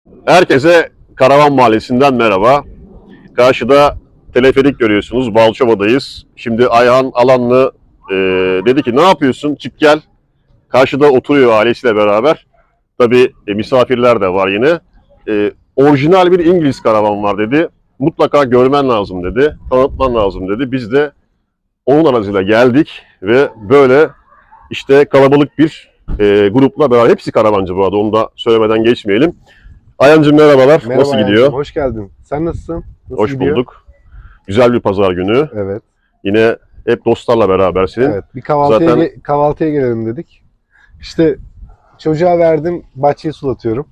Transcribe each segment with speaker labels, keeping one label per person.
Speaker 1: Herkese Karavan Mahallesi'nden merhaba. Karşıda teleferik görüyorsunuz. Balçova'dayız. Şimdi Ayhan Alanlı dedi ki ne yapıyorsun? Çık gel. Karşıda oturuyor ailesiyle beraber. Tabii misafirler de var yine. Orijinal bir İngiliz karavan var dedi. Mutlaka görmen lazım dedi. Tanıtman lazım dedi. Biz de onun aracıyla geldik ve böyle işte kalabalık bir grupla beraber. Hepsi karavancı bu arada. Onu da söylemeden geçmeyelim. Ayhancığım merhabalar.
Speaker 2: Merhaba
Speaker 1: Nasıl gidiyor?
Speaker 2: Ayhancığım, hoş geldin. Sen nasılsın? Nasıl
Speaker 1: Hoş
Speaker 2: gidiyor?
Speaker 1: bulduk. Güzel bir pazar günü.
Speaker 2: Evet.
Speaker 1: Yine hep dostlarla berabersin.
Speaker 2: Evet. Bir kahvaltıya,
Speaker 1: Zaten-
Speaker 2: kahvaltıya gelelim dedik. İşte çocuğa verdim, bahçeyi sulatıyorum.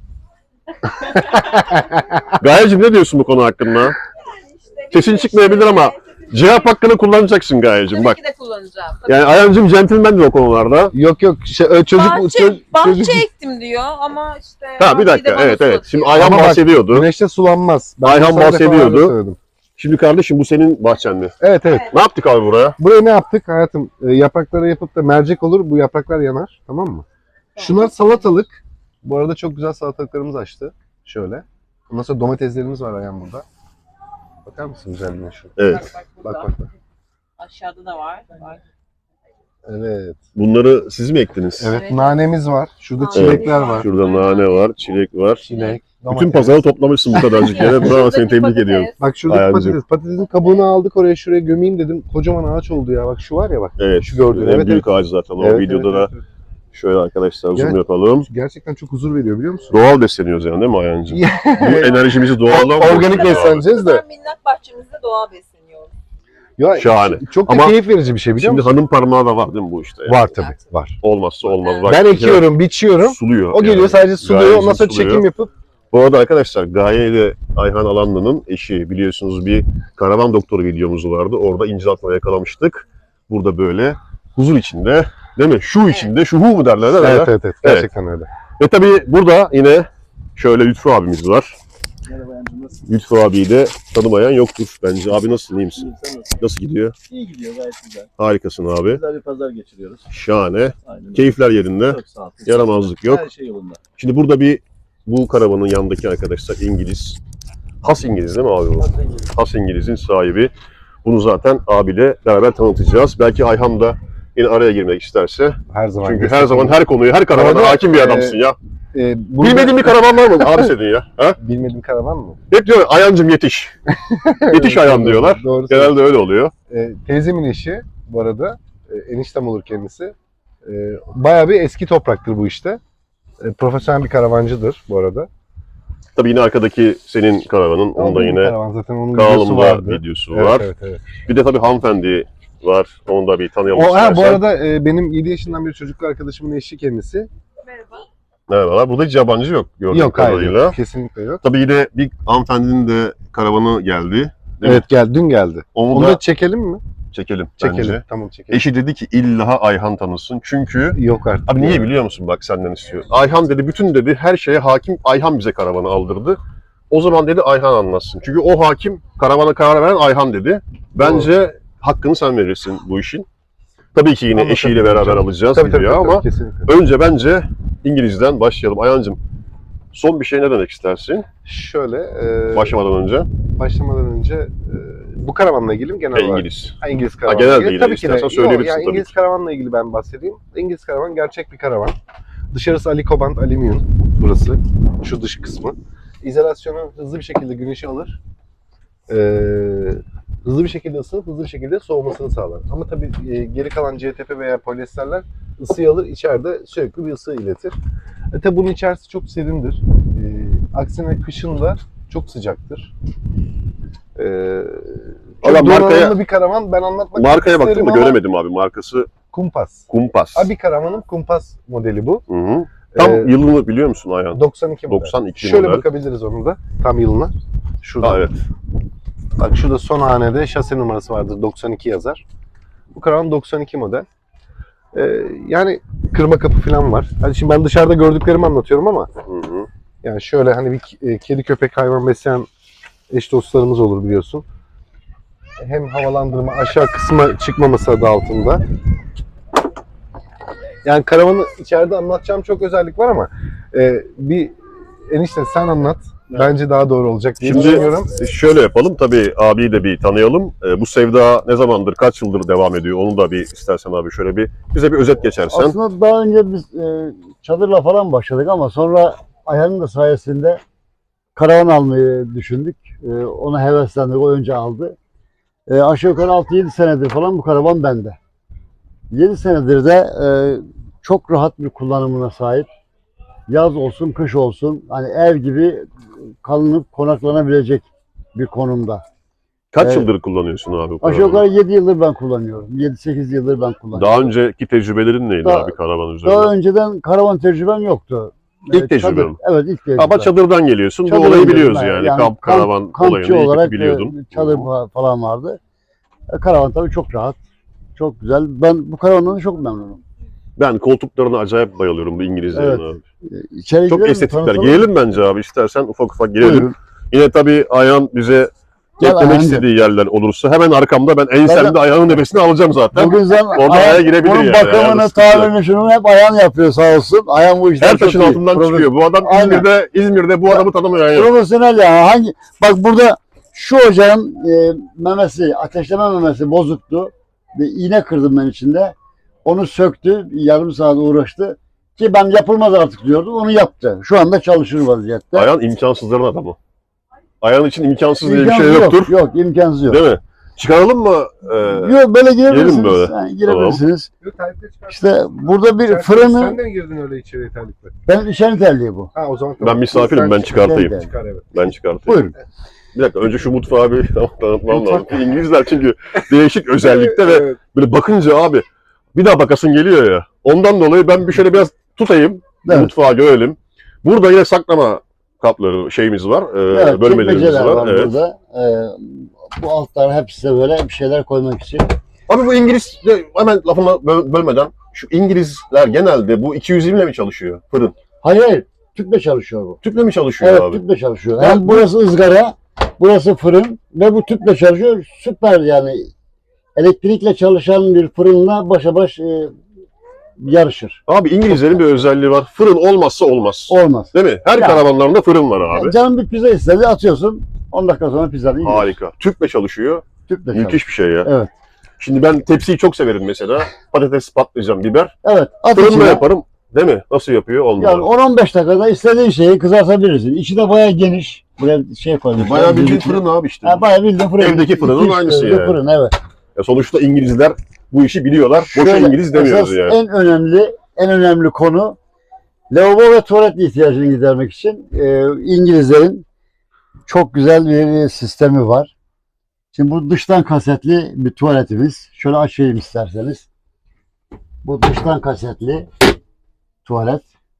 Speaker 1: Gayecim ne diyorsun bu konu hakkında? Sesin çıkmayabilir ama cevap hakkını kullanacaksın Gayecim.
Speaker 3: Tabii
Speaker 1: Bak.
Speaker 3: ki de kullanacağım. Tabii.
Speaker 1: Yani Ayhancığım centilmendir o konularda.
Speaker 2: Yok çocuk
Speaker 3: bahçe ektim diyor ama işte...
Speaker 1: Ha bir dakika,
Speaker 3: bahçeyi de bana
Speaker 1: evet.
Speaker 3: sulatıyor.
Speaker 1: Şimdi Ayhan
Speaker 2: Ama bak,
Speaker 1: bahsediyordu.
Speaker 2: güneşte sulanmaz. Ben
Speaker 1: Ayhan
Speaker 2: bunu sana
Speaker 1: bahsediyordu.
Speaker 2: defalarca söyledim.
Speaker 1: Şimdi kardeşim bu senin bahçen mi?
Speaker 2: Evet.
Speaker 1: Ne yaptık abi buraya?
Speaker 2: Buraya ne yaptık hayatım? Yaprakları yapıp da mercek olur. Bu yapraklar yanar. Tamam mı? Şunlar salatalık. Bu arada çok güzel salatalıklarımız açtı. Şöyle. Ondan sonra domateslerimiz var Ayhan burada. Bakar mısın güzelliğine şu?
Speaker 1: Evet.
Speaker 3: burada.
Speaker 2: Bak.
Speaker 3: Aşağıda da var.
Speaker 2: Evet.
Speaker 1: Bunları siz mi ektiniz?
Speaker 2: Evet,
Speaker 3: Evet.
Speaker 2: nanemiz var. Şurada
Speaker 3: Nane.
Speaker 2: çilekler var.
Speaker 1: Şurada nane var, çilek var.
Speaker 2: Çilek,
Speaker 1: Bütün
Speaker 2: domates.
Speaker 1: pazarı toplamışsın bu kadarcık yere. Bravo, seni
Speaker 3: Şuradaki
Speaker 1: tebrik
Speaker 3: patates.
Speaker 1: ediyorum.
Speaker 2: Bak şuradaki
Speaker 1: Ayhancığım.
Speaker 2: patatesin kabuğunu aldık oraya şuraya gömeyim dedim. Kocaman ağaç oldu ya. Bak şu var ya bak.
Speaker 1: Evet.
Speaker 2: Şu gördüğün.
Speaker 1: En
Speaker 2: Evet,
Speaker 1: büyük ağacı zaten. O
Speaker 2: Evet,
Speaker 1: videoda
Speaker 2: evet,
Speaker 1: da
Speaker 2: evet.
Speaker 1: şöyle arkadaşlar zoom
Speaker 2: Yani-
Speaker 1: yapalım.
Speaker 2: Gerçekten çok huzur veriyor biliyor musun?
Speaker 1: Doğal besleniyoruz yani değil mi Ayhancığım? Bu enerjimizi doğaldan
Speaker 2: Organik besleneceğiz de.
Speaker 3: Ben minnak bahçemizde doğal besleniyorum.
Speaker 2: Ya,
Speaker 1: Şahane.
Speaker 2: Çok da
Speaker 1: Ama
Speaker 2: keyif verici bir şey biliyor
Speaker 1: Şimdi
Speaker 2: musun?
Speaker 1: hanım parmağı da var değil mi bu işte? Yani?
Speaker 2: Var tabii. Var.
Speaker 1: Olmazsa olmaz. Bak,
Speaker 2: Ben
Speaker 1: bir kere
Speaker 2: ekiyorum, biçiyorum.
Speaker 1: Suluyor.
Speaker 2: O geliyor
Speaker 1: yani.
Speaker 2: sadece suluyor.
Speaker 1: Gayecim
Speaker 2: Ondan sonra
Speaker 1: suluyor.
Speaker 2: çekim yapıp.
Speaker 1: Bu arada arkadaşlar Gaye ile Ayhan Alanlı'nın eşi biliyorsunuz bir karavan doktoru videomuz vardı. Orada incir yakalamıştık. Burada böyle huzur içinde değil mi? Şu içinde, şu hu mu derler? Ne derler?
Speaker 2: Evet. Gerçekten öyle.
Speaker 1: Ve tabii burada yine şöyle Lütfü abimiz var.
Speaker 4: Merhaba Yancım, nasılsın?
Speaker 1: Lütfü abiyi de tanımayan yoktur bence. Abi nasılsın, iyi misin?
Speaker 4: İyiyim, sen nasılsın?
Speaker 1: Nasıl gidiyor?
Speaker 4: İyi gidiyor, gayet güzel.
Speaker 1: Harikasın abi.
Speaker 4: Güzel bir pazar geçiriyoruz.
Speaker 1: Şahane.
Speaker 4: Aynen.
Speaker 1: Keyifler yerinde.
Speaker 4: Çok sağ ol.
Speaker 1: Yaramazlık yok.
Speaker 4: Her şey yolunda.
Speaker 1: Şimdi burada bu karavanın yanındaki arkadaşlar İngiliz. Has İngiliz değil mi abi bu? Has İngiliz'in sahibi. Bunu zaten abiyle beraber tanıtacağız. Belki Ayhan da yine araya girmek isterse.
Speaker 2: Her zaman.
Speaker 1: Çünkü her zaman her konuyu, her karavana
Speaker 2: Orada,
Speaker 1: hakim bir adamsın ya. Bilmediğin bir karavan var mı abi senin ya? Ha?
Speaker 2: Bilmediğim karavan mı?
Speaker 1: Hep diyor Ayhancım yetiş. Yetiş Ayhan diyorlar.
Speaker 2: Doğru.
Speaker 1: Genelde öyle oluyor.
Speaker 2: Teyzemin eşi bu arada. Eniştem olur kendisi. Bayağı bir eski topraktır bu işte. Profesyonel bir karavancıdır bu arada.
Speaker 1: Tabii yine arkadaki senin karavanın. Onda
Speaker 2: Aldığım bir
Speaker 1: yine
Speaker 2: karavan zaten onun videosu
Speaker 1: kanalımda
Speaker 2: vardı.
Speaker 1: videosu var.
Speaker 2: Evet.
Speaker 1: Bir de tabii hanımefendi var. Onu da bir tanıyalım
Speaker 2: Bu
Speaker 1: istersen.
Speaker 2: arada benim 7 yaşından bir çocuklu arkadaşımın eşi kendisi.
Speaker 3: Merhaba.
Speaker 1: Merhabalar. Burada hiç yabancı yok gördüğüm
Speaker 2: Yok hayır
Speaker 1: kadarıyla.
Speaker 2: yok. Kesinlikle yok.
Speaker 1: Tabii yine bir hanımefendinin de karavanı geldi. Değil mi?
Speaker 2: Evet dün geldi.
Speaker 1: Onu
Speaker 2: Onu
Speaker 1: da
Speaker 2: da çekelim mi?
Speaker 1: çekelim,
Speaker 2: Çekelim.
Speaker 1: bence.
Speaker 2: Tamam çekelim.
Speaker 1: Eşi dedi ki illa Ayhan tanısın. Çünkü
Speaker 2: Yok artık.
Speaker 1: abi niye biliyor musun bak senden istiyor. Ayhan dedi bütün dedi her şeye hakim Ayhan bize karavanı aldırdı. O zaman dedi Ayhan anlatsın. Çünkü o hakim karavana karar veren Ayhan dedi. Bence hakkını sen verirsin bu işin. Tabii ki yine
Speaker 2: Ama
Speaker 1: eşiyle
Speaker 2: tabii,
Speaker 1: beraber
Speaker 2: tabii.
Speaker 1: alacağız
Speaker 2: Tabii,
Speaker 1: videoya ama
Speaker 2: kesinlikle.
Speaker 1: önce bence İngiliz'den başlayalım. Ayhan'cığım son bir şey ne demek istersin
Speaker 2: Şöyle
Speaker 1: başlamadan önce?
Speaker 2: bu karavanla ilgili mi genel olarak?
Speaker 1: İngiliz.
Speaker 2: İngiliz karavanla
Speaker 1: genel
Speaker 2: ilgili.
Speaker 1: değil,
Speaker 2: Tabii ki de.
Speaker 1: istersen söyleyebilirsin
Speaker 2: Yani
Speaker 1: tabii
Speaker 2: İngiliz
Speaker 1: ki.
Speaker 2: karavanla ilgili ben bahsedeyim. İngiliz karavan gerçek bir karavan. Dışarısı alikoband alüminyum burası. Şu dış kısmı. İzolasyonu hızlı bir şekilde güneşi alır. Hızlı bir şekilde ısınıp hızlı bir şekilde soğumasını sağlar. Ama tabii geri kalan CTP veya polyesterler ısıyı alır, içeride sürekli bir ısı iletir. Tabii bunun içerisi çok serindir. Aksine kışın da çok sıcaktır.
Speaker 1: Valla
Speaker 2: Çok
Speaker 1: markaya-
Speaker 2: donanımlı bir karavan ben anlatmak
Speaker 1: Markaya baktım
Speaker 2: isterim
Speaker 1: da
Speaker 2: ama
Speaker 1: göremedim abi. Markası
Speaker 2: Kumpas.
Speaker 1: Kumpas.
Speaker 2: Abi karavanın Kumpas modeli bu.
Speaker 1: Hı hı. Tam
Speaker 2: Ee,
Speaker 1: yılını biliyor musun Ayhan?
Speaker 2: 92 model.
Speaker 1: 92
Speaker 2: Şöyle
Speaker 1: model.
Speaker 2: bakabiliriz onun da tam yılına. Şurada.
Speaker 1: Ha, evet.
Speaker 2: Bak şurada son hanede şase numarası vardır 92 yazar. Bu karavan 92 model. Yani kırma kapı falan var. Hani şimdi ben dışarıda gördüklerimi anlatıyorum ama
Speaker 1: Hı hı.
Speaker 2: yani şöyle hani bir kedi köpek hayvan besleyen eş dostlarımız olur biliyorsun. Hem havalandırma aşağı kısma çıkmaması adı altında. Yani karavanı içeride anlatacağım çok özellik var ama bir enişte sen anlat. Bence daha doğru olacak diye
Speaker 1: Şimdi
Speaker 2: düşünüyorum.
Speaker 1: şöyle yapalım. Tabii abiyi de bir tanıyalım. Bu sevda ne zamandır, kaç yıldır devam ediyor? Onu da bir istersen abi şöyle bir bize bir özet geçersen.
Speaker 5: Aslında daha önce biz çadırla falan başladık ama sonra Ayhan'ın da sayesinde karavan almayı düşündük. Ona heveslendik, o önce aldı. Aşağı yukarı 6-7 senedir falan bu karavan bende. 7 senedir de çok rahat bir kullanımına sahip. Yaz olsun, kış olsun, hani ev gibi kalınıp konaklanabilecek bir konumda.
Speaker 1: Kaç
Speaker 5: Evet.
Speaker 1: yıldır kullanıyorsun abi bu
Speaker 5: Aşağı
Speaker 1: karavanı?
Speaker 5: yukarı 7 yıldır ben kullanıyorum. 7-8 yıldır ben kullanıyorum.
Speaker 1: Daha önceki tecrübelerin neydi
Speaker 5: Daha-
Speaker 1: abi karavan üzerinde?
Speaker 5: Daha önceden karavan tecrübem yoktu.
Speaker 1: İlk tecrüben
Speaker 5: Çadır,
Speaker 1: mi?
Speaker 5: evet, ilk tecrübem.
Speaker 1: Ama çadırdan geliyorsun. Bu
Speaker 5: Çadır
Speaker 1: olayı
Speaker 5: biliyorum
Speaker 1: biliyoruz
Speaker 5: ben.
Speaker 1: yani. Kamp, karavan
Speaker 5: kampçı
Speaker 1: olayını iyi
Speaker 5: olarak
Speaker 1: kötü biliyordun.
Speaker 5: çadır falan vardı. Karavan tabii çok rahat. Çok güzel. Ben bu karavandan da çok memnunum.
Speaker 1: Ben koltuklarına acayip bayılıyorum bu İngilizlerin
Speaker 5: Evet.
Speaker 1: abi.
Speaker 5: İçeri
Speaker 1: Çok
Speaker 5: girelim mi?
Speaker 1: estetikler.
Speaker 5: Tanıtalım.
Speaker 1: Girelim bence abi. İstersen ufak ufak girelim.
Speaker 5: Buyurun.
Speaker 1: Yine tabii Ayhan bize
Speaker 5: Gel
Speaker 1: eklemek
Speaker 5: Ayhan'cığım.
Speaker 1: istediği yerler olursa hemen arkamda ben ensemde
Speaker 5: Zaten-
Speaker 1: Ayhan'ın nefesini alacağım zaten.
Speaker 5: Bugün sen
Speaker 1: Orada Ayhan girebilir
Speaker 5: bunun
Speaker 1: yani.
Speaker 5: bakımını,
Speaker 1: Ayağında sıkıntı yok.
Speaker 5: tamirini şunu hep Ayhan yapıyor sağ olsun. Ayhan bu işler
Speaker 1: Her
Speaker 5: çok
Speaker 1: taşın
Speaker 5: iyi.
Speaker 1: altından çıkıyor. Bu adam
Speaker 5: Aynen.
Speaker 1: İzmir'de bu adamı tanımıyor yani.
Speaker 5: Profesyonel ya. Bak burada şu ocağın memesi, ateşleme memesi bozuktu. Bir iğne kırdım ben içinde. Onu söktü. Yarım saat uğraştı. Ki ben yapılmaz artık diyordum. Onu yaptı. Şu anda çalışır vaziyette.
Speaker 1: Ayhan imkansızların adamı. Ayhan için imkansız diye bir
Speaker 5: İmkansız
Speaker 1: şey
Speaker 5: yok,
Speaker 1: yoktur.
Speaker 5: Yok, imkansız yok.
Speaker 1: Değil mi? Çıkaralım mı?
Speaker 5: Yok, böyle girebilirsiniz.
Speaker 1: Girelim böyle.
Speaker 5: Yani girebilirsiniz.
Speaker 2: Yok, terlikle çıkar.
Speaker 5: İşte burada bir
Speaker 2: Sen
Speaker 5: fırını,
Speaker 2: de mi girdin öyle içeri terlikle?
Speaker 5: ben işen terliği bu.
Speaker 2: Ha o zaman
Speaker 1: Ben misafirim, ben çıkartayım.
Speaker 5: Sen-
Speaker 2: Çıkar evet.
Speaker 1: Ben çıkartayım.
Speaker 5: Buyurun.
Speaker 1: Bir dakika önce şu mutfağı bir tanıtmam lazım. İngilizler çünkü değişik özellikte ve
Speaker 2: Evet.
Speaker 1: böyle bakınca abi bir daha bakasın geliyor ya. Ondan dolayı ben bir şöyle biraz tutayım.
Speaker 5: Evet.
Speaker 1: Mutfağı görelim. Burada yine saklama kapları şeyimiz var.
Speaker 5: Evet,
Speaker 1: Bölmelerimiz
Speaker 5: çekmeceler
Speaker 1: var.
Speaker 5: var
Speaker 1: Evet.
Speaker 5: burada. Bu altlar hepsi de böyle bir şeyler koymak için.
Speaker 1: Abi bu İngiliz hemen lafını bölmeden şu İngilizler genelde bu 220 ile mi çalışıyor fırın?
Speaker 5: Hayır, tüple çalışıyor bu.
Speaker 1: Tüple mi çalışıyor
Speaker 5: Evet,
Speaker 1: abi?
Speaker 5: tüple çalışıyor.
Speaker 1: Ben-
Speaker 5: Hem burası ızgara, burası fırın ve bu tüple çalışıyor. Süper yani. Elektrikle çalışan bir fırınla başa baş yarışır.
Speaker 1: Abi İngilizlerin bir özelliği var. Fırın olmazsa olmaz.
Speaker 5: Olmaz.
Speaker 1: Değil mi? Her
Speaker 5: Ya.
Speaker 1: karavanlarında fırın var abi.
Speaker 5: Canım bir pizza istedi, atıyorsun. 10 dakika sonra pizzanı yiyor.
Speaker 1: Harika. Tüple çalışıyor.
Speaker 5: Tüple çalışıyor.
Speaker 1: Müthiş bir şey ya.
Speaker 5: Evet.
Speaker 1: Şimdi ben tepsiyi çok severim mesela. Patates, patlıcan, biber.
Speaker 5: Evet, at
Speaker 1: Fırında
Speaker 5: içine.
Speaker 1: yaparım. Değil mi? Nasıl yapıyor? On
Speaker 5: Yani
Speaker 1: numara.
Speaker 5: 10-15 dakikada istediğin şeyi kızartabilirsin. İçi de bayağı geniş. Buraya şey koymuşlar.
Speaker 1: Bayağı bildiğin
Speaker 5: düdüklü.
Speaker 1: fırın abi işte.
Speaker 5: Ha, bayağı bildiğin fırın.
Speaker 1: Evdeki fırının
Speaker 5: 2-3
Speaker 1: aynısı
Speaker 5: derece
Speaker 1: yani.
Speaker 5: Fırın, evet.
Speaker 1: Ya sonuçta İngilizler bu işi biliyorlar. Boşa
Speaker 5: Şöyle,
Speaker 1: İngiliz demiyoruz
Speaker 5: esas
Speaker 1: yani.
Speaker 5: en önemli konu lavabo ve tuvalet ihtiyacını gidermek için İngilizlerin çok güzel bir sistemi var. Şimdi bu dıştan kasetli bir tuvaletimiz. Şöyle açayım isterseniz. Bu dıştan kasetli tuvalet.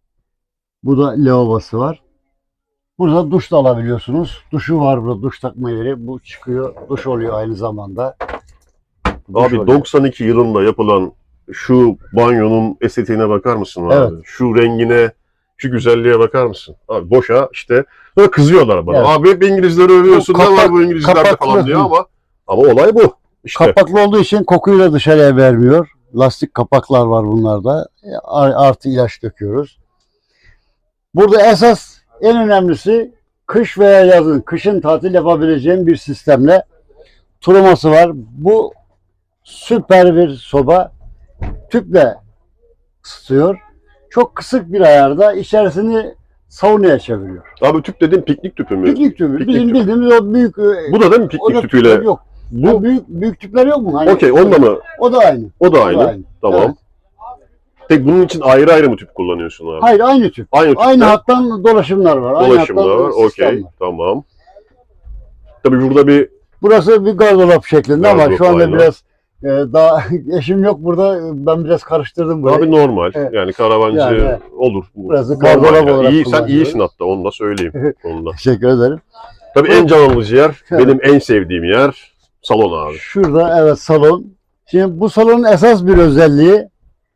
Speaker 5: Bu da lavabosu var. Burada duş da alabiliyorsunuz. Duşu var burada, duş takma yeri. Bu çıkıyor, duş oluyor aynı zamanda. Duş
Speaker 1: Abi
Speaker 5: oluyor.
Speaker 1: 92 yılında yapılan şu banyonun estetiğine bakar mısın abi?
Speaker 5: Evet.
Speaker 1: Şu rengine, şu güzelliğe bakar mısın? Abi boşa işte böyle kızıyorlar bana.
Speaker 5: Evet.
Speaker 1: Abi hep İngilizleri övüyorsun.
Speaker 5: Bu
Speaker 1: Ne var
Speaker 5: kapak-
Speaker 1: bu İngilizlerde
Speaker 5: kapaklı.
Speaker 1: falan diyor ama olay bu. İşte.
Speaker 5: Kapaklı olduğu için kokuyu da dışarıya vermiyor. Lastik kapaklar var bunlarda. Artı ilaç döküyoruz. Burada esas en önemlisi kış veya yazın, kışın tatil yapabileceğim bir sistemle tuluması var. Bu süper bir soba. Tüple ısıtıyor. Çok kısık bir ayarda içerisini saunaya çeviriyor.
Speaker 1: Abi tüp dediğin piknik tüpü mü?
Speaker 5: Piknik tüpü.
Speaker 1: Piknik
Speaker 5: Bizim
Speaker 1: tüpü.
Speaker 5: bildiğimiz o büyük
Speaker 1: Bu da değil mi
Speaker 5: o
Speaker 1: piknik
Speaker 5: da
Speaker 1: tüpüyle?
Speaker 5: tüpler yok.
Speaker 1: Bu
Speaker 5: Ha, büyük tüpler yok mu? Hani
Speaker 1: okey onunla mı?
Speaker 5: O da aynı.
Speaker 1: O da
Speaker 5: O da
Speaker 1: aynı. Tamam.
Speaker 5: Evet.
Speaker 1: Tek bunun için ayrı ayrı mı tüp kullanıyorsun abi?
Speaker 5: Hayır, aynı tüp.
Speaker 1: Aynı tüpte.
Speaker 5: Aynı hattan dolaşımlar var. Aynı
Speaker 1: Dolaşımlar
Speaker 5: hattan
Speaker 1: var.
Speaker 5: sistem
Speaker 1: Okey.
Speaker 5: var.
Speaker 1: Tamam. Tabii burada bir
Speaker 5: Burası bir gardırop şeklinde ama
Speaker 1: Gardırop,
Speaker 5: şu anda
Speaker 1: aynen.
Speaker 5: biraz daha eşim yok burada. Ben biraz karıştırdım burayı.
Speaker 1: abi normal.
Speaker 5: Evet.
Speaker 1: Yani karavancı
Speaker 5: Yani, evet.
Speaker 1: olur.
Speaker 5: Burası
Speaker 1: Normal
Speaker 5: gardırop
Speaker 1: yani.
Speaker 5: olarak
Speaker 1: İyi, sen
Speaker 5: kullanıyoruz.
Speaker 1: iyisin hatta onu da söyleyeyim. Onu da.
Speaker 5: Teşekkür ederim.
Speaker 1: Tabii en can alıcı yer,
Speaker 5: Evet.
Speaker 1: benim en sevdiğim yer salon abi.
Speaker 5: Şurada evet salon. Şimdi bu salonun esas bir özelliği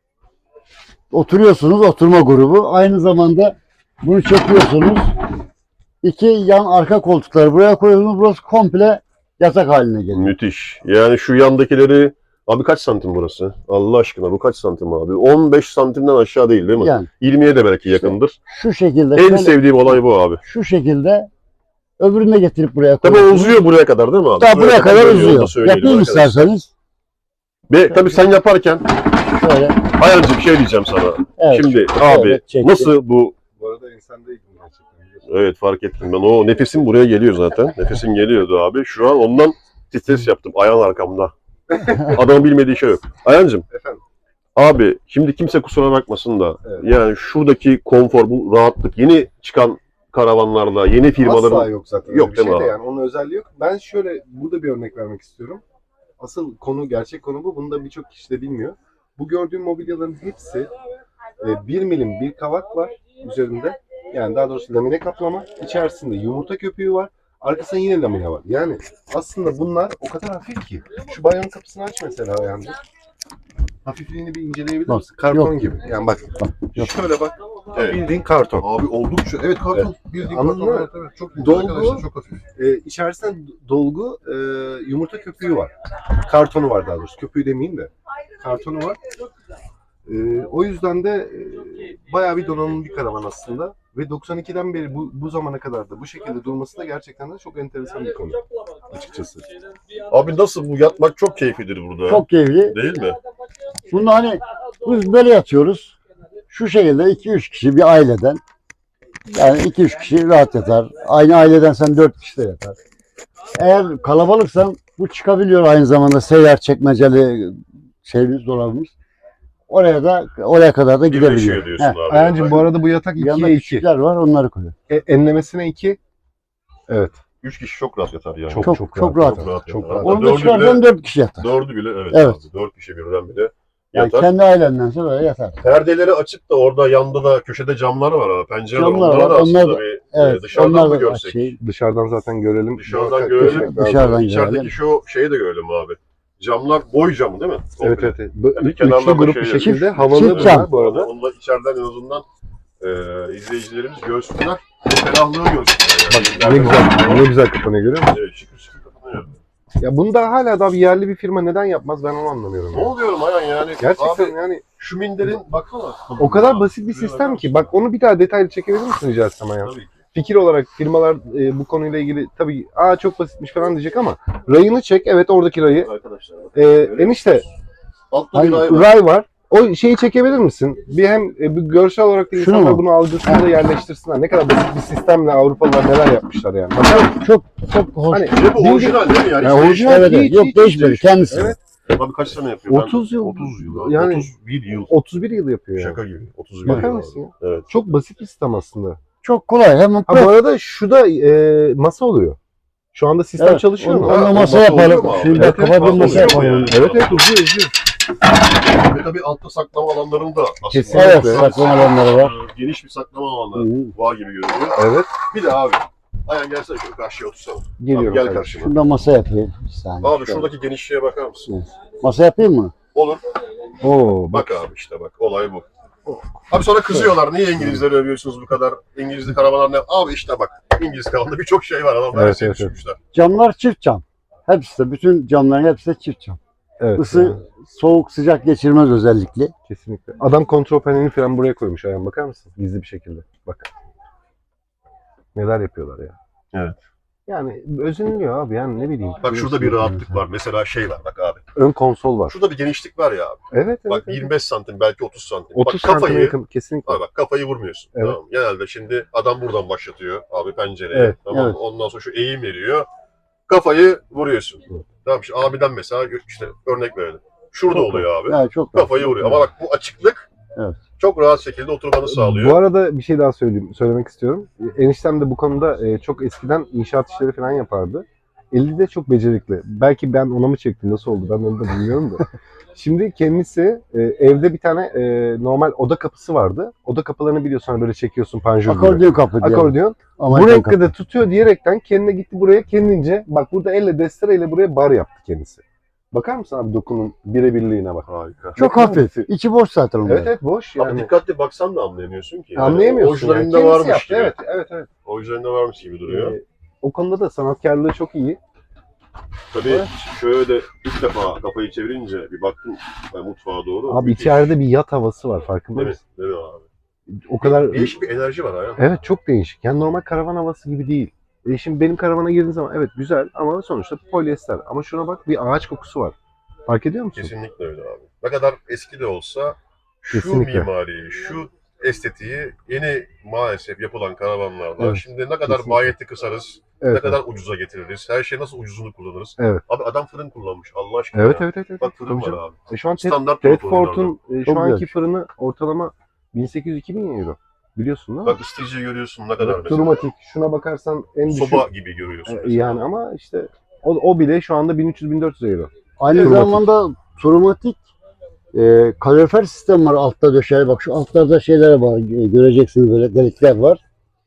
Speaker 5: oturuyorsunuz, oturma grubu. Aynı zamanda bunu çekiyorsunuz. İki yan arka koltukları buraya koyuyorsunuz. Burası komple yatak haline geliyor.
Speaker 1: Müthiş. Yani şu yandakileri Abi kaç santim burası? Allah aşkına bu kaç santim abi? 15 santimden aşağı değil mi?
Speaker 5: Yani
Speaker 1: 20'ye de belki yakındır.
Speaker 5: şu şekilde
Speaker 1: En
Speaker 5: şöyle,
Speaker 1: sevdiğim olay bu abi.
Speaker 5: şu şekilde öbürünü de getirip buraya
Speaker 1: Tabii
Speaker 5: koyuyorsunuz.
Speaker 1: uzuyor buraya kadar değil mi abi?
Speaker 5: Daha buraya kadar
Speaker 1: dönüyor, onu da
Speaker 5: uzuyor.
Speaker 1: söyleyelim
Speaker 5: Yapayım
Speaker 1: arkadaşlar.
Speaker 5: isterseniz.
Speaker 1: Ve tabii sen yaparken
Speaker 5: Şöyle.
Speaker 1: Ayancı bir şey diyeceğim sana.
Speaker 5: Evet.
Speaker 1: Şimdi abi
Speaker 5: Evet, çektim.
Speaker 1: nasıl bu?
Speaker 2: Bu arada insandaydım gerçekten. biliyorsun.
Speaker 1: Evet fark ettim ben. O nefesim buraya geliyor zaten. Nefesim geliyordu abi. Şu an ondan stres yaptım. Ayağın arkamda. Adamın bilmediği şey yok. Ayancım.
Speaker 2: Efendim.
Speaker 1: Abi şimdi kimse kusura bakmasın da
Speaker 2: Evet.
Speaker 1: yani şuradaki konfor, bu rahatlık yeni çıkan karavanlarda, yeni firmaların
Speaker 2: Asla yok zaten.
Speaker 1: Yok
Speaker 2: Öyle bir
Speaker 1: değil mi
Speaker 2: şey de
Speaker 1: abi?
Speaker 2: yani onun özelliği yok. Ben şöyle burada bir örnek vermek istiyorum. Asıl konu, gerçek konu bu. Bunu da birçok kişi de bilmiyor. Bu gördüğüm mobilyaların hepsi 1 milim bir kavak var üzerinde. Yani daha doğrusu lamine kaplama. İçerisinde yumurta köpüğü var. Arkasında yine lamine var. Yani aslında bunlar o kadar hafif ki. Şu bayanın kapısını aç mesela yani. Hafifliğini bir inceleyebilir
Speaker 5: Bak,
Speaker 2: misin? Karton
Speaker 5: yok.
Speaker 2: gibi. Yani bak.
Speaker 5: Yok.
Speaker 2: Şöyle bak.
Speaker 1: Evet.
Speaker 2: Bildiğin karton.
Speaker 1: Abi oldukça evet karton bildiğin
Speaker 2: Anladın
Speaker 1: karton.
Speaker 2: mı?
Speaker 1: Evet, evet. Çok
Speaker 2: Dolgu-
Speaker 1: arkadaşlar çok hafif.
Speaker 2: İçerisinde dolgu yumurta köpüğü var. Kartonu var daha doğrusu. Köpüğü demeyeyim de. Kartonu var. O yüzden de bayağı bir donanımlı bir karavan aslında. Ve 92'den beri bu zamana kadar da bu şekilde durması da gerçekten de çok enteresan bir konu açıkçası.
Speaker 1: Abi nasıl bu yatmak çok keyiflidir burada.
Speaker 5: Çok keyifli.
Speaker 1: Değil mi?
Speaker 5: Bunda hani biz böyle yatıyoruz. Şu şekilde 2-3 kişi bir aileden. Yani 2-3 kişi rahat yatar. Aynı aileden sen 4 kişi de yatar. Eğer kalabalıksan bu çıkabiliyor aynı zamanda seyyar çekmeceli şeyimiz, dolabımız. Oraya kadar da gidebiliyor.
Speaker 1: Birleşiyor diyorsun
Speaker 5: Heh.
Speaker 1: abi.
Speaker 2: Ayancığım bu arada bu yatak
Speaker 5: Yanında
Speaker 2: 2'ye 2.
Speaker 5: küçükler var, onları koyuyor.
Speaker 2: Enlemesine 2. Evet.
Speaker 1: 3 kişi çok rahat yatar yani.
Speaker 5: Çok rahat.
Speaker 1: Çok rahat.
Speaker 2: Çok
Speaker 1: yatar.
Speaker 2: rahat.
Speaker 1: Hatta
Speaker 5: Onu da
Speaker 1: dördü
Speaker 5: çıkarsan
Speaker 1: bile,
Speaker 5: 4 kişi yatar.
Speaker 1: dördü bile evet.
Speaker 5: Evet.
Speaker 1: Abi, 4 kişi birden bile
Speaker 5: Yani
Speaker 1: yatar.
Speaker 5: kendi ailendense böyle yatar.
Speaker 1: Perdeleri açıp da orada yanda da köşede camlar var abi. Pencereler
Speaker 5: Camlar
Speaker 1: onlara
Speaker 5: var,
Speaker 1: da aslında
Speaker 5: onlar da-
Speaker 1: bir
Speaker 5: Evet.
Speaker 1: dışarıdan
Speaker 5: onlar
Speaker 1: mı
Speaker 5: da
Speaker 1: görsek?
Speaker 5: şey,
Speaker 2: Dışarıdan zaten görelim.
Speaker 1: Dışarıdan
Speaker 2: Muhakkak
Speaker 1: görelim.
Speaker 2: görmek lazım.
Speaker 5: Dışarıdan
Speaker 1: İçerideki
Speaker 5: görelim.
Speaker 1: şu şeyi de görelim abi. Camlar boy camı değil mi?
Speaker 2: Evet
Speaker 1: Komple.
Speaker 2: evet.
Speaker 1: Yani
Speaker 2: Üçlü
Speaker 1: kenarlarda
Speaker 2: grup
Speaker 1: şey
Speaker 2: bir
Speaker 1: yok.
Speaker 2: şekilde
Speaker 5: Çift
Speaker 2: havalı bunlar
Speaker 5: cam.
Speaker 2: bu arada.
Speaker 1: Onunla içeriden en azından izleyicilerimiz görsünler. Bu ferahlığı görsünler.
Speaker 2: Bak ne güzel, ne güzel kapanıyor görüyor musun?
Speaker 1: Evet şıkır şıkır kapanıyor.
Speaker 2: Ya bunu da hala daha bir yerli bir firma neden yapmaz ben onu anlamıyorum.
Speaker 1: Ne
Speaker 2: ya.
Speaker 1: oluyorum Ayhan yani?
Speaker 2: Gerçekten
Speaker 1: Abi,
Speaker 2: yani
Speaker 1: şu minderin baksana.
Speaker 2: o kadar basit bir sistem ki. Bak onu bir daha detaylı çekebilir misin rica etsem ya?
Speaker 1: Tabii ki.
Speaker 2: Fikir olarak firmalar bu konuyla ilgili tabii çok basitmiş falan diyecek ama rayını çek. Evet oradaki rayı.
Speaker 1: Arkadaşlar.
Speaker 2: Enişte
Speaker 1: Altta bir
Speaker 5: Hayır,
Speaker 1: ay var.
Speaker 2: ray var. O şeyi çekebilir misin? Bir hem bir görsel olarak da
Speaker 5: Şunu
Speaker 2: insanlar
Speaker 5: mu?
Speaker 2: bunu algısında da yerleştirsinler. Ne kadar basit bir sistemle Avrupalılar neler yapmışlar yani. Bakar
Speaker 5: çok hoş.
Speaker 2: Hani
Speaker 1: Bir de bu orijinal değil mi yani?
Speaker 2: Ya
Speaker 1: Hiç
Speaker 2: orijinal
Speaker 1: değişmedi.
Speaker 5: Evet, evet.
Speaker 2: hiç,
Speaker 5: Yok
Speaker 2: hiç,
Speaker 5: değişmedi kendisi.
Speaker 2: Evet.
Speaker 1: Abi kaç sene yapıyor? Ben-
Speaker 2: 30 yıl.
Speaker 1: 30 yıl. Abi.
Speaker 2: Yani-
Speaker 1: 31 yıl.
Speaker 2: 31 yıl yapıyor yani.
Speaker 1: Şaka gibi. 31
Speaker 2: Bakar
Speaker 1: yıl.
Speaker 2: mısın ya?
Speaker 1: abi. Evet.
Speaker 2: Çok basit bir sistem aslında.
Speaker 5: Çok kolay. Hemen
Speaker 2: Ha bu arada şu da masa oluyor. Şu anda sistem
Speaker 5: Evet,
Speaker 2: çalışıyor mu?
Speaker 5: onunla
Speaker 1: Ha,
Speaker 5: masa
Speaker 1: masa oluyor
Speaker 5: yapalım.
Speaker 1: mu abi?
Speaker 5: Şimdi
Speaker 2: Evet,
Speaker 5: kafa bir
Speaker 1: masa
Speaker 5: masa
Speaker 1: oluyor mu
Speaker 5: yapalım.
Speaker 1: yani?
Speaker 2: Evet evet uzuyor.
Speaker 1: Ve tabii altta saklama alanlarını da aslında.
Speaker 2: Kesinlikle.
Speaker 5: Evet, saklama alanları var.
Speaker 1: Geniş bir saklama
Speaker 5: Hı
Speaker 1: alanları
Speaker 5: hı.
Speaker 1: var gibi görünüyor.
Speaker 2: Evet.
Speaker 1: Bir de abi. Ayhan gelsene şöyle karşıya otursana.
Speaker 2: Geliyorum.
Speaker 1: Abi, gel
Speaker 2: kardeşim.
Speaker 1: karşıma.
Speaker 5: Şurada masa yapayım. Bir saniye.
Speaker 1: Abi
Speaker 5: Şöyle.
Speaker 1: şuradaki genişliğe bakar mısın?
Speaker 5: Masa yapayım mı?
Speaker 1: Olur.
Speaker 2: Oo, bak.
Speaker 1: Bak abi işte bak. Olay bu. Abi sonra kızıyorlar. Niye İngilizleri övüyorsunuz bu kadar? İngilizli karavanlar ne? Abi işte bak. İngiliz karavanda birçok şey var. Adamlar
Speaker 2: Evet,
Speaker 1: evet,
Speaker 2: evet,
Speaker 1: düşünmüşler.
Speaker 5: Camlar çift cam. Hepsi de, bütün camların hepsi de çift cam.
Speaker 2: Evet.
Speaker 5: Isı,
Speaker 2: yani,
Speaker 5: soğuk, sıcak geçirmez özellikle.
Speaker 2: kesinlikle. Adam kontrol panelini falan buraya koymuş ayağım bakar mısın? Gizli bir şekilde. Bak. Neler yapıyorlar ya.
Speaker 1: Evet.
Speaker 2: Yani özeniliyor abi yani ne bileyim.
Speaker 1: Bak şurada bir rahatlık var. Mesela şey var bak abi.
Speaker 2: Ön konsol var.
Speaker 1: Şurada bir genişlik var ya abi.
Speaker 2: Evet evet.
Speaker 1: Bak
Speaker 2: evet.
Speaker 1: 25 santim belki 30 santim.
Speaker 2: 30
Speaker 1: bak
Speaker 2: santime
Speaker 1: kafayı
Speaker 2: yakın kesinlikle.
Speaker 1: Abi bak kafayı vurmuyorsun.
Speaker 2: Evet.
Speaker 1: Tamam. Genelde şimdi adam buradan başlatıyor abi pencereye.
Speaker 2: Evet,
Speaker 1: Tamam.
Speaker 5: evet.
Speaker 1: Ondan sonra şu eğim veriyor. Kafayı vuruyorsun.
Speaker 2: Evet.
Speaker 1: Tamam işte abiden mesela işte örnek verelim. Şurada
Speaker 5: Çok
Speaker 1: oluyor abi.
Speaker 5: Yani çok
Speaker 1: Kafayı vuruyor. Ama bak bu açıklık
Speaker 5: Evet.
Speaker 1: çok rahat şekilde oturmanı sağlıyor.
Speaker 2: Bu arada bir şey daha söylemek istiyorum. Eniştem de bu konuda çok eskiden inşaat işleri falan yapardı. Eli de çok becerikli. Belki ben ona mı çektim nasıl oldu ben onu da bilmiyorum da. Şimdi kendisi evde bir tane normal oda kapısı vardı. Oda kapılarını biliyorsun hani böyle çekiyorsun panjur gibi.
Speaker 5: akordeon kapı diye.
Speaker 2: Akordeon.
Speaker 5: Amerikan
Speaker 2: Bu
Speaker 5: kapı.
Speaker 2: renkte de tutuyor diyerekten kendine gitti buraya kendince. Bak burada elle destereyle buraya bar yaptı kendisi. Bakar mısın abi dokunun birebirliğine bak.
Speaker 1: Harika.
Speaker 5: Çok
Speaker 2: Ne
Speaker 5: hafif.
Speaker 2: kadar
Speaker 5: İçi boş zaten onlar.
Speaker 2: Evet evet boş
Speaker 1: Abi
Speaker 2: yani.
Speaker 1: dikkatli baksan da anlayamıyorsun ki. Yani
Speaker 2: Anlayamıyorsun yani.
Speaker 1: orijinalinde
Speaker 2: Kendisi
Speaker 1: varmış
Speaker 2: yaptı,
Speaker 1: gibi.
Speaker 2: evet evet evet.
Speaker 1: Orijinalinde varmış gibi duruyor.
Speaker 2: O konuda da sanatkarlığı çok iyi.
Speaker 1: Tabii şöyle ilk defa kafayı çevirince bir baktım mutfağa doğru.
Speaker 2: Abi
Speaker 1: Müthiş.
Speaker 2: içeride bir yat havası var, farkında
Speaker 1: Değil mi?
Speaker 2: mısın?
Speaker 1: Değil mi abi?
Speaker 2: O kadar
Speaker 1: Değişik bir enerji var Ayhan.
Speaker 2: evet, çok değişik. Yani normal karavan havası gibi değil. Şimdi benim karavana girdiğin zaman evet güzel ama sonuçta polyester. Ama şuna bak, bir ağaç kokusu var. Fark ediyor musun?
Speaker 1: Kesinlikle öyle abi. Ne kadar eski de olsa şu
Speaker 2: Kesinlikle.
Speaker 1: mimariyi, şu estetiği yeni maalesef yapılan karavanlarda
Speaker 2: Evet,
Speaker 1: şimdi ne kadar
Speaker 2: kesinlikle.
Speaker 1: maliyeti kısarız,
Speaker 2: Evet,
Speaker 1: ne kadar ucuza getiririz, her şey nasıl ucuzunu kullanırız.
Speaker 2: Evet.
Speaker 1: Abi adam fırın kullanmış Allah aşkına
Speaker 2: Evet,
Speaker 1: ya.
Speaker 2: evet, evet, evet.
Speaker 1: Bak fırın
Speaker 2: Tabii
Speaker 1: var
Speaker 2: canım.
Speaker 1: abi.
Speaker 2: Şu an
Speaker 1: Standart
Speaker 2: Tedford'un
Speaker 5: Çok
Speaker 2: şu anki
Speaker 5: güzel.
Speaker 2: fırını ortalama 1800-2000 euro. Biliyorsun değil mi?
Speaker 1: Bak ısıtıcıyı görüyorsun ne kadar mesela.
Speaker 2: Turmatik. Şuna bakarsan en düşük.
Speaker 1: Soba gibi görüyorsun mesela.
Speaker 2: Yani ama işte o bile şu anda 1300-1400 euro.
Speaker 5: Aynı
Speaker 2: Turmatik.
Speaker 5: zamanda turmatik kalorifer sistem var altta döşeli. Bak şu altlarda şeyler var. Göreceksiniz böyle delikler var.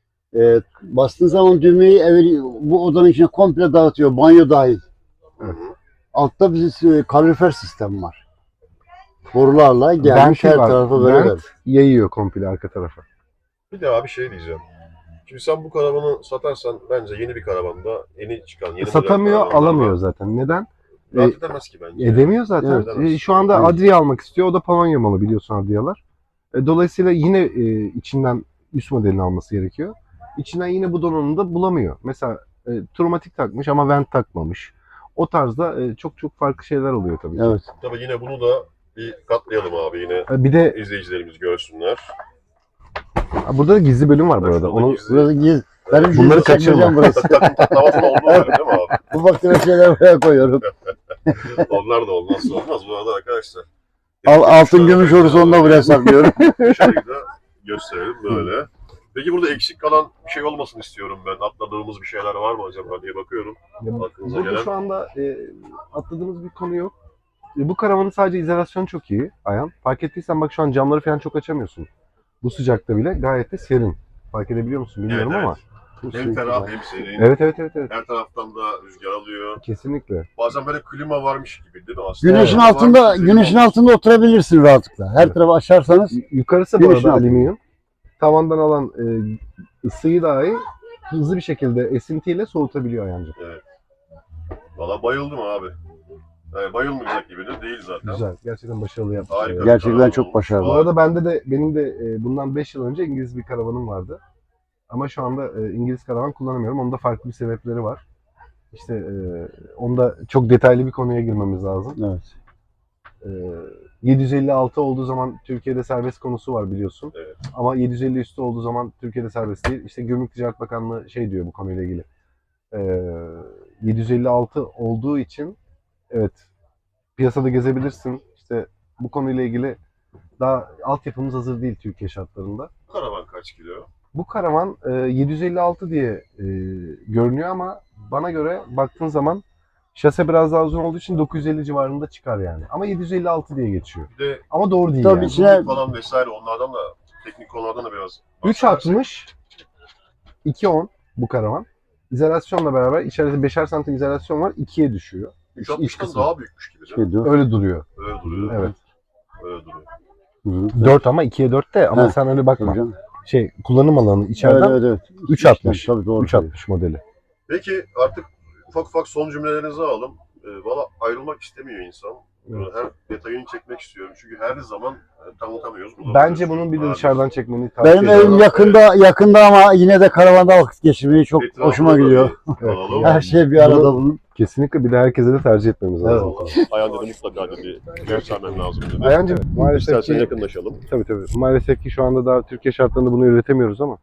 Speaker 5: Bastığın zaman düğmeyi bu odanın içine komple dağıtıyor. Banyo dahil.
Speaker 1: Hı hı.
Speaker 5: Altta bir kalorifer sistem var. Borularla gelmiş
Speaker 2: Venti
Speaker 5: her
Speaker 2: var.
Speaker 5: tarafa böyle.
Speaker 2: Vent
Speaker 5: ver.
Speaker 2: yayıyor komple arka tarafa.
Speaker 1: Bir de abi şey diyeceğim. Şimdi sen bu karavanı satarsan bence yeni bir karavanda yeni çıkan, yeni model
Speaker 2: Satamıyor,
Speaker 1: karavanlarla
Speaker 2: alamıyor zaten. Neden?
Speaker 1: rahat edemez ki bence.
Speaker 2: Edemiyor zaten.
Speaker 1: Evet.
Speaker 2: Şu anda
Speaker 5: Evet.
Speaker 2: Adria almak istiyor. O da Polonya malı, biliyorsun Adria'lar. Dolayısıyla yine içinden üst modelini alması gerekiyor. İçinden yine bu donanımı da bulamıyor. Mesela Turmatik takmış ama vent takmamış. O tarzda çok çok farklı şeyler oluyor tabii ki.
Speaker 5: Evet.
Speaker 1: Tabii yine bunu da bir katlayalım abi yine
Speaker 2: Bir de
Speaker 1: izleyicilerimiz görsünler.
Speaker 2: burada da gizli bölüm var bu
Speaker 1: Bak
Speaker 2: arada.
Speaker 1: şurada
Speaker 2: Onu
Speaker 1: gizli-
Speaker 5: Burası giz. Benim
Speaker 1: Evet.
Speaker 2: Bunları
Speaker 5: gizli
Speaker 2: kaçırma.
Speaker 5: çekmecem burası.
Speaker 1: Takım tatlamasının olduğu yer değil mi abi?
Speaker 5: Bu baktığım şeyler buraya koyuyorum.
Speaker 1: Onlar da olmazsa olmaz bu arada arkadaşlar.
Speaker 5: Altın gümüş olursa da buraya saklıyorum.
Speaker 1: Şöyle de gösterelim böyle. Peki burada eksik kalan bir şey olmasın istiyorum ben. Atladığımız bir şeyler var mı acaba diye bakıyorum. Aklınıza
Speaker 2: burada
Speaker 1: gelen.
Speaker 2: şu anda atladığımız bir konu yok. Bu karavanın sadece izolasyonu çok iyi Ayhan. Fark ettiysen bak, şu an camları falan çok açamıyorsun. Bu sıcakta bile gayet de serin. Fark edebiliyor musun bilmiyorum
Speaker 1: Evet,
Speaker 2: ama.
Speaker 1: Hem ferah hem serin.
Speaker 2: Evet, evet, evet, evet.
Speaker 1: Her taraftan da rüzgar alıyor.
Speaker 2: Kesinlikle.
Speaker 1: Bazen böyle klima varmış gibi değil mi aslında?
Speaker 5: Güneşin
Speaker 1: Varmış
Speaker 5: altında
Speaker 1: gibi
Speaker 5: güneşin
Speaker 1: olmuş.
Speaker 5: altında oturabilirsin rahatlıkla. Her
Speaker 2: Evet.
Speaker 5: tarafı açarsanız
Speaker 2: Yukarısı bu
Speaker 5: Güneşin
Speaker 2: arada
Speaker 5: altında.
Speaker 2: alüminyum. Tavandan alan ısıyı dahi hızlı bir şekilde esintiyle soğutabiliyor Ayhancığım.
Speaker 1: Valla bayıldım abi. Yani bayılmayacak gibi de değil zaten.
Speaker 2: Güzel. Gerçekten başarılı yapmışlar.
Speaker 1: Harika.
Speaker 2: yani.
Speaker 5: gerçekten çok başarılı.
Speaker 2: Bu arada benim de bundan 5 yıl önce İngiliz bir karavanım vardı. Ama şu anda İngiliz karavan kullanamıyorum. Onun da farklı bir sebepleri var. İşte onda çok detaylı bir konuya girmemiz lazım.
Speaker 5: Evet.
Speaker 2: 756 olduğu zaman Türkiye'de serbest konusu var, biliyorsun.
Speaker 1: Evet.
Speaker 2: Ama 750 üstü olduğu zaman Türkiye'de serbest değil. İşte Gümrük Ticaret Bakanlığı şey diyor bu konuyla ilgili. 756 olduğu için evet, piyasada gezebilirsin. İşte bu konuyla ilgili daha altyapımız hazır değil Türkiye şartlarında.
Speaker 1: Bu karavan kaç kilo?
Speaker 2: Bu karavan 756 diye görünüyor ama bana göre baktığın zaman şase biraz daha uzun olduğu için 950 civarında çıkar yani. Ama 756 diye geçiyor.
Speaker 1: Bir de
Speaker 2: Ama doğru değil
Speaker 5: Tabii
Speaker 2: yani.
Speaker 5: içine-
Speaker 1: falan vesaire onlardan da teknik konulardan da biraz
Speaker 2: 360 210 bu karavan. İzolasyonla beraber içeride 5'er santim izolasyon var. 2'ye düşüyor. İç
Speaker 1: 360'dan
Speaker 2: kısmı.
Speaker 1: daha büyükmüş gibi değil mi?
Speaker 5: Şey diyor.
Speaker 2: Öyle duruyor.
Speaker 1: Öyle duruyor.
Speaker 2: Evet.
Speaker 1: Öyle duruyor.
Speaker 5: Hı.
Speaker 2: 4 ama 2'ye 4 de ama
Speaker 5: Evet.
Speaker 2: sen öyle
Speaker 5: Tabii
Speaker 2: bakma.
Speaker 5: canım.
Speaker 2: Kullanım alanı içeriden
Speaker 5: Evet, evet.
Speaker 2: 360.
Speaker 5: Tabii doğru.
Speaker 2: 360 modeli.
Speaker 1: Peki artık ufak ufak son cümlelerinizi alalım. Valla ayrılmak istemiyor insan.
Speaker 2: Evet.
Speaker 1: Her detayını çekmek istiyorum. Çünkü her zaman tanıtamıyoruz.
Speaker 2: Bence bunun bir de
Speaker 1: Abi,
Speaker 2: dışarıdan çekmeni tavsiye
Speaker 5: Benim
Speaker 2: ederim.
Speaker 5: evim yakında ama yine de karavanda vakit geçirmeyi çok
Speaker 1: etrafında
Speaker 5: hoşuma
Speaker 1: da
Speaker 5: gidiyor.
Speaker 1: bir alalım.
Speaker 5: Her şey bir arada bunun.
Speaker 2: Kesinlikle bir de herkese de tercih etmemiz lazım.
Speaker 1: Ayhan dedi mutlaka dedi. Göstermem lazım dedi.
Speaker 2: Ayhancığım maalesef
Speaker 1: İstersen
Speaker 2: ki,
Speaker 1: yakınlaşalım.
Speaker 2: tabii. Maalesef ki şu anda daha Türkiye şartlarında bunu üretemiyoruz ama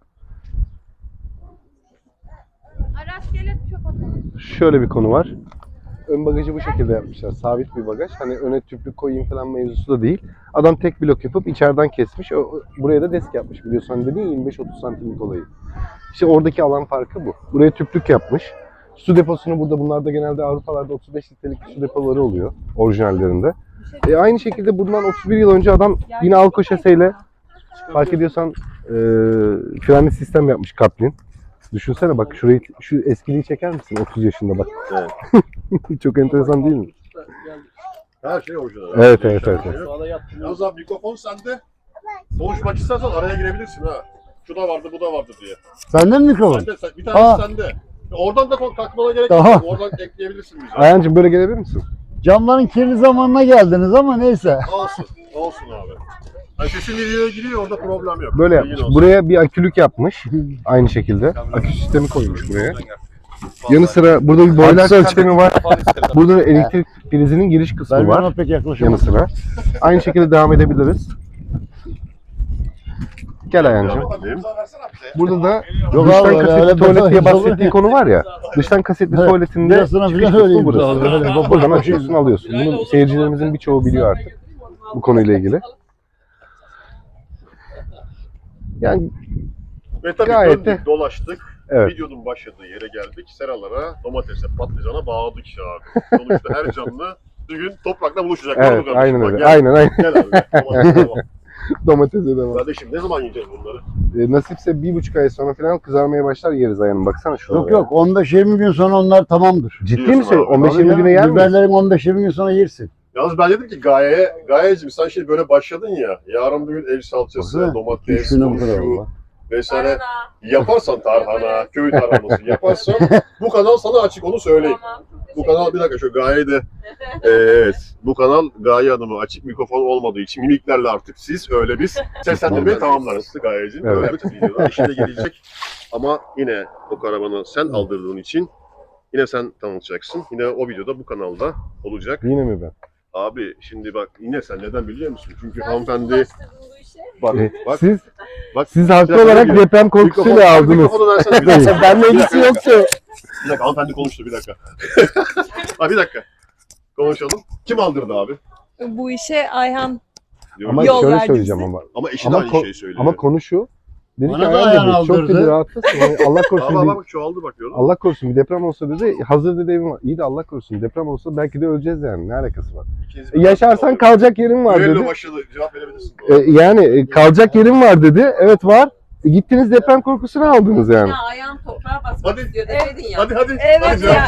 Speaker 6: Rastgele çöp atalım.
Speaker 2: şöyle bir konu var. Ön bagajı bu şekilde yapmışlar. Sabit bir bagaj. Hani öne tüplü koyayım falan mevzusu da değil. Adam tek blok yapıp içeriden kesmiş. Buraya da desk yapmış, biliyorsun. Hani dedin ya 25-30 santimlik olayı. İşte oradaki alan farkı bu. Buraya tüplük yapmış. Su deposunu burada, bunlarda genelde Avrupalarda 35 litrelik su depoları oluyor orijinallerinde. Aynı şekilde bundan 31 yıl önce adam yine Alko şaseyle, fark ediyorsan frenli sistem yapmış Kaplin. Düşünsene bak, şurayı, şu eskiliği çeker misin 30 yaşında bak.
Speaker 1: Evet.
Speaker 2: Çok enteresan değil mi?
Speaker 1: Her şey orijinal.
Speaker 2: Evet,
Speaker 1: Her
Speaker 2: evet,
Speaker 1: şey
Speaker 2: evet,
Speaker 1: orijinal.
Speaker 4: Sağda yattım.
Speaker 1: Yalnız abi mikrofon sende. Konuşmak istersen araya girebilirsin ha. Şu da vardı, bu da vardı diye.
Speaker 5: Sende mi mikrofon?
Speaker 1: Sende, bir tanesi
Speaker 5: Aa.
Speaker 1: sende. Oradan da takmana gerek
Speaker 5: Tamam.
Speaker 1: yok. Oradan ekleyebilirsin bize.
Speaker 2: Ayhancığım böyle gelebilir misin?
Speaker 5: Camların kirli zamanına geldiniz ama neyse.
Speaker 1: Olsun. Olsun abi. Yani sesin videoya giriyor orada problem yok.
Speaker 2: Böyle
Speaker 1: Bilgin
Speaker 2: yapmış.
Speaker 1: olsun.
Speaker 2: Buraya bir akülük yapmış. Aynı şekilde. Akü sistemi koymuş buraya. Yanı sıra burada bir boiler
Speaker 5: Aksel
Speaker 2: sistemi var. Burada elektrik prizinin giriş kısmı
Speaker 5: Ben
Speaker 2: var.
Speaker 5: buna pek
Speaker 2: Yanı
Speaker 5: yaklaşamadım.
Speaker 2: sıra. Aynı şekilde devam edebiliriz. Gel Ayhancığım. Burada da
Speaker 5: Yok
Speaker 2: dıştan
Speaker 5: abi,
Speaker 2: kasetli
Speaker 5: öyle
Speaker 2: tuvalet diye
Speaker 5: böyle
Speaker 2: bahsettiği
Speaker 5: olur.
Speaker 2: konu var ya. Dıştan kasetli
Speaker 5: Evet,
Speaker 2: tuvaletinde
Speaker 5: Birazına
Speaker 2: çıkış
Speaker 5: falan
Speaker 2: kısmı
Speaker 5: öyleyim.
Speaker 2: burası.
Speaker 5: Öyle
Speaker 2: Buradan açıyorsun alıyorsun. Bunu seyircilerimizin birçoğu biliyor artık bu konuyla ilgili. Yani
Speaker 1: Ve tabii
Speaker 2: Gayet
Speaker 1: döndük,
Speaker 2: de-
Speaker 1: dolaştık.
Speaker 2: evet.
Speaker 1: Videonun başladığı yere geldik. Seralara, domatese, patlıcana bağladık işte abi. Sonuçta her canlı bir gün toprakla buluşacak.
Speaker 2: Evet,
Speaker 1: Doğru kardeşim?
Speaker 2: aynen
Speaker 1: Bak,
Speaker 2: öyle.
Speaker 1: Gel,
Speaker 2: Aynen aynen.
Speaker 1: gel abi. Domatese devam.
Speaker 2: Domatese de var.
Speaker 1: Kardeşim ne zaman yiyeceğiz bunları?
Speaker 2: Nasipse 1,5 ay sonra falan kızarmaya başlar yeriz Ayhan'ım. Baksana şurada.
Speaker 5: Yok yok 15-20 gün sonra onlar tamamdır.
Speaker 2: Ciddi
Speaker 1: Diyorsun
Speaker 2: misin?
Speaker 1: abi.
Speaker 2: 15-20 güne yer mi?
Speaker 5: Biberlerin 15-20 gün sonra yersin.
Speaker 1: Yalnız ben dedim ki Gaye'cim sen şimdi böyle başladın ya. Yarın bir gün el salçası,
Speaker 5: Baksana,
Speaker 1: domates,
Speaker 5: Şuna bu kadar
Speaker 1: turşu
Speaker 5: oldu.
Speaker 1: vesaire
Speaker 3: Tarhana.
Speaker 1: yaparsan tarhana, köy tarhanası yaparsan bu kanal sana açık onu söyleyeyim.
Speaker 3: Tamam.
Speaker 1: Bu kanal bir dakika şu Gaye de evet bu kanal Gaye Hanım'a açık mikrofon olmadığı için mimiklerle artık siz öyle biz seslendirmeyi tamamlarız Gaye'cim.
Speaker 2: Evet.
Speaker 1: Böyle bir videoda işine gelecek ama yine o karavanı sen aldırdığın için yine sen tanıtacaksın. Yine o videoda bu kanalda olacak.
Speaker 2: Yine mi ben?
Speaker 1: Abi şimdi bak yine sen neden biliyor musun? Çünkü
Speaker 3: Sen
Speaker 1: hanımefendi
Speaker 3: bulaştırdın bu işe.
Speaker 1: bak bak
Speaker 2: Siz haklı
Speaker 1: Bir dakika,
Speaker 2: olarak
Speaker 1: bir-
Speaker 2: deprem korkusuyla aldınız.
Speaker 1: Mikrofonu versene bir dakika.
Speaker 2: Benle ilgisi yoktu.
Speaker 1: Bir dakika hanımefendi konuştu bir dakika. Ha bir dakika. Konuşalım. Kim aldırdı abi?
Speaker 3: Bu işe Ayhan
Speaker 1: Diyorum.
Speaker 2: Ama
Speaker 3: Yol
Speaker 2: şöyle
Speaker 3: verdi
Speaker 2: söyleyeceğim
Speaker 3: bize.
Speaker 2: ama.
Speaker 1: Ama eşi
Speaker 2: Ama
Speaker 1: de aynı şeyi söylüyor.
Speaker 2: Ama konu şu. Dedi ki
Speaker 5: Bana da
Speaker 2: Ayhan
Speaker 5: Ayhan
Speaker 2: dedi çok
Speaker 5: aldırdı.
Speaker 2: dedi rahatsız. Yani Allah korusun
Speaker 1: Bak
Speaker 2: dedi.
Speaker 1: bak çoğaldı bak gördün mü?
Speaker 2: Allah korusun bir deprem olsa dedi. Hazır dedi evim var. İyi de Allah korusun deprem olsa belki de öleceğiz yani. Ne alakası var?
Speaker 1: İkiniz bir
Speaker 2: Yaşarsan
Speaker 1: alın.
Speaker 2: kalacak yerin var
Speaker 1: Düello
Speaker 2: dedi.
Speaker 1: başladı. Cevap verebilirsin. bu arada.
Speaker 2: Yani kalacak yerin var dedi. Evet var. Gittiniz deprem korkusunu aldınız yani.
Speaker 3: ya ayağın toprağa basmak
Speaker 1: Hadi.
Speaker 3: istiyor dedin ya.
Speaker 1: Hadi hadi.
Speaker 3: Evet
Speaker 1: hadi
Speaker 3: ya.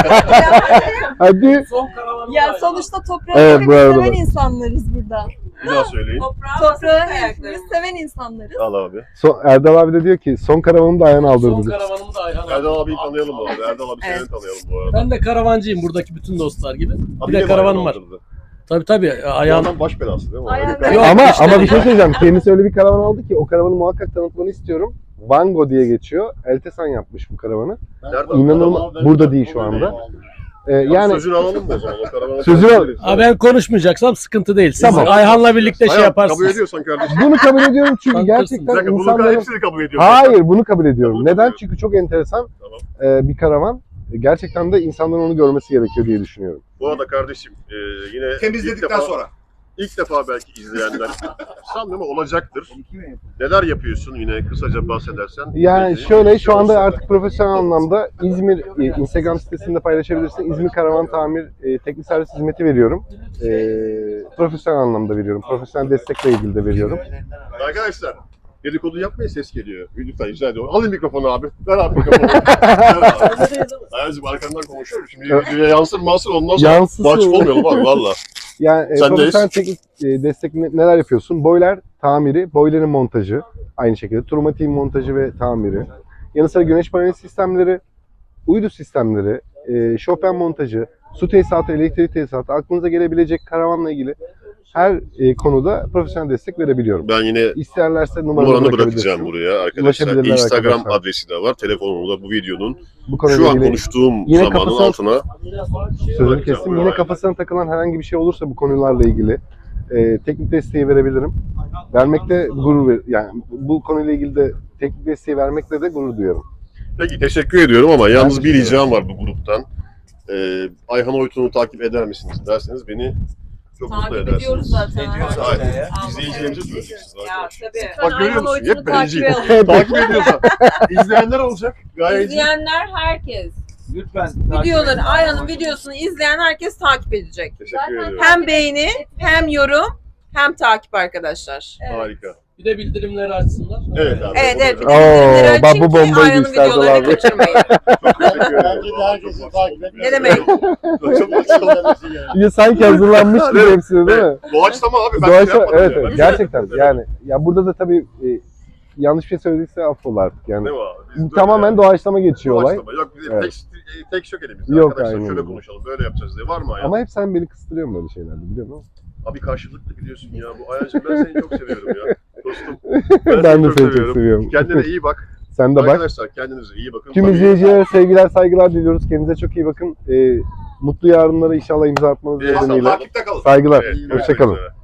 Speaker 2: Hadi.
Speaker 3: Ya sonuçta toprağı
Speaker 2: Evet, bu arada
Speaker 3: seven
Speaker 2: bak.
Speaker 3: insanlarız burada.
Speaker 1: Bir daha söyleyin.
Speaker 3: Toprağı hepimiz seven insanlarız.
Speaker 1: Al abi.
Speaker 2: Erdal abi de diyor ki son karavanı da Ayhan aldırdı.
Speaker 7: Son
Speaker 2: diyor.
Speaker 7: karavanımı da Ayhan
Speaker 1: Erdal abiyi
Speaker 7: aldı.
Speaker 1: tanıyalım bu arada. Erdal abi seni
Speaker 3: Evet.
Speaker 1: tanıyalım bu arada.
Speaker 7: Ben de karavancıyım buradaki bütün dostlar gibi.
Speaker 1: Abi
Speaker 7: Bir de
Speaker 1: de
Speaker 7: karavanım var.
Speaker 1: aldırdı.
Speaker 7: Tabii
Speaker 1: Ayağın
Speaker 7: ayağım.
Speaker 1: baş belası değil mi?
Speaker 3: Ayağın-
Speaker 1: Öyle bir-
Speaker 7: Yok,
Speaker 2: Ama
Speaker 7: işte
Speaker 2: ama bir
Speaker 7: değil.
Speaker 2: şey söyleyeceğim. Kendisi öyle bir karavan aldı ki o karavanı muhakkak tanıtmanı istiyorum. Vango diye geçiyor. Eltesan yapmış bu karavanı.
Speaker 1: Nerede?
Speaker 2: İnanılmaz.
Speaker 1: Adam-
Speaker 2: Burada değil şu anda.
Speaker 1: Yani
Speaker 2: Yani
Speaker 1: sözünü alalım mı o zaman? O karavanı
Speaker 2: Sözünü al-
Speaker 1: tanıyabiliriz.
Speaker 7: Aa, ben konuşmayacaksam sıkıntı değil. Siz
Speaker 2: Tamam.
Speaker 7: Ayhan'la birlikte şey
Speaker 1: Ayhan,
Speaker 7: yaparsınız.
Speaker 1: Kabul ediyorsan kardeşim.
Speaker 2: bunu kabul ediyorum çünkü
Speaker 7: Tanıtırsın.
Speaker 1: Bir
Speaker 2: gerçekten
Speaker 1: dakika bunu
Speaker 2: insanların...
Speaker 1: hepsini kabul ediyorsun.
Speaker 2: Hayır bunu kabul ediyorum.
Speaker 1: Kabul
Speaker 2: Neden?
Speaker 1: ediyorum.
Speaker 2: Çünkü çok enteresan
Speaker 1: Tamam.
Speaker 2: bir karavan. Gerçekten de insanların onu görmesi gerekiyor diye düşünüyorum.
Speaker 1: Bu arada kardeşim yine
Speaker 8: Temizledikten sonra.
Speaker 1: İlk defa belki izleyenler sanmıyorum ama olacaktır. Neler yapıyorsun yine kısaca bahsedersen.
Speaker 2: Yani
Speaker 1: Bizi-
Speaker 2: şöyle şu anda artık profesyonel anlamda İzmir Instagram sitesinde paylaşabilirsin. İzmir Karavan Tamir teknik servis hizmeti veriyorum. Profesyonel anlamda veriyorum. Profesyonel destekle ilgili de veriyorum.
Speaker 1: Arkadaşlar dedikodu yapmayın ses geliyor. Lütfen rica ediyorum. Alın mikrofonu abi. Ver abi mikrofonu. Ver abi. Ayazım arkandan konuşuyorum. Şimdi videoya yansır masır ondan sonra
Speaker 2: Yansısın.
Speaker 1: mahcup olmayalım abi valla.
Speaker 2: Yani
Speaker 1: Sendeyiz.
Speaker 2: profesyonel teknik destek neler yapıyorsun? Boiler tamiri, boilerin montajı aynı şekilde. Turmatiğin montajı ve tamiri. Yanı sıra güneş paneli sistemleri, uydu sistemleri, Chopin montajı, su tesisatı, elektrik tesisatı, aklınıza gelebilecek karavanla ilgili her konuda profesyonel destek verebiliyorum.
Speaker 1: Ben yine
Speaker 2: İsterlerse
Speaker 1: numaranı bırakacağım buraya arkadaşlar.
Speaker 2: Ulaşabilirler
Speaker 1: Instagram
Speaker 2: arkadaşlar.
Speaker 1: adresi de var. Telefonumu da bu videonun
Speaker 2: Bu konuyla
Speaker 1: şu an
Speaker 2: ilgili
Speaker 1: konuştuğum
Speaker 2: yine
Speaker 1: zamanın
Speaker 2: kafasına-
Speaker 1: altına
Speaker 2: sözünü kestim. Yine kafasına takılan herhangi bir şey olursa bu konularla ilgili teknik desteği verebilirim. Vermekte gurur yani bu konuyla ilgili de teknik desteği vermekle de gurur duyuyorum.
Speaker 1: Peki teşekkür ediyorum ama yalnız bir
Speaker 2: teşekkür
Speaker 1: ricam var bu gruptan. Ayhan Oytun'u takip eder misiniz derseniz beni çok mutlu
Speaker 3: Takip
Speaker 1: edersiniz.
Speaker 3: ediyoruz zaten.
Speaker 1: Hayır, izleyicilerimize söyleyeceksiniz
Speaker 3: Ya
Speaker 1: arkadaşlar.
Speaker 3: tabii.
Speaker 1: Bak görüyor musun? Hep bencil.
Speaker 3: takip
Speaker 1: Takip ediyorsa. İzleyenler olacak. Gayet iyi.
Speaker 3: İzleyenler herkes.
Speaker 8: Lütfen.
Speaker 3: Videoları, Ayhan'ın videosunu izleyen herkes takip edecek.
Speaker 1: Teşekkür ediyorum.
Speaker 3: Hem beğeni, hem yorum, hem takip arkadaşlar.
Speaker 1: Harika.
Speaker 7: Bir de bildirimleri açsınlar.
Speaker 1: Evet abi.
Speaker 3: Evet evet. Bir de
Speaker 2: Oo,
Speaker 3: bildirimleri
Speaker 2: bak
Speaker 3: açın
Speaker 2: bu
Speaker 3: ki
Speaker 2: bombayı
Speaker 3: Ayhan'ın
Speaker 2: gösterdi
Speaker 3: videolarını
Speaker 2: abi.
Speaker 3: kaçırmayın.
Speaker 1: Çok teşekkür ederim.
Speaker 5: Bence de herkesi takip etmesi
Speaker 3: Ne demek?
Speaker 1: Çok mutlu
Speaker 2: Ya sanki hazırlanmış gibi hepsini değil mi?
Speaker 1: Doğaçlama abi. Ben
Speaker 2: Doğaçla,
Speaker 1: şey yapmadım
Speaker 2: evet,
Speaker 1: ya.
Speaker 2: evet gerçekten yani ya burada da tabii yanlış bir şey söylediyse affola artık yani.
Speaker 1: Değil mi abi? Biz böyle
Speaker 2: Tamamen
Speaker 1: yani.
Speaker 2: doğaçlama geçiyor olay.
Speaker 1: Doğaçlama. Yok bizim
Speaker 2: Evet.
Speaker 1: tek yok elimizde.
Speaker 2: Yok,
Speaker 1: Arkadaşlar
Speaker 2: aynen
Speaker 1: şöyle
Speaker 2: öyle.
Speaker 1: konuşalım, böyle yapacağız diye. Var mı Ayhan?
Speaker 2: Ama hep sen beni kıstırıyorsun böyle şeylerde biliyor musun?
Speaker 1: Abi karşılıklı gidiyorsun ya. Bu Ayhan'cığım ben seni çok seviyorum ya. Dostum.
Speaker 2: Ben de seni çok seviyorum.
Speaker 1: Kendine iyi bak.
Speaker 2: Sen de bak.
Speaker 1: Arkadaşlar kendinize iyi bakın.
Speaker 2: Tüm
Speaker 1: Tabii-
Speaker 2: izleyicilere sevgiler, saygılar diliyoruz. Kendinize çok iyi bakın. Mutlu yarınlara inşallah imza atmanız
Speaker 1: Takipte
Speaker 2: nedeniyle.
Speaker 1: kalın.
Speaker 2: Saygılar.
Speaker 1: Evet,
Speaker 2: Hoşça kalın.
Speaker 1: görüşmek üzere.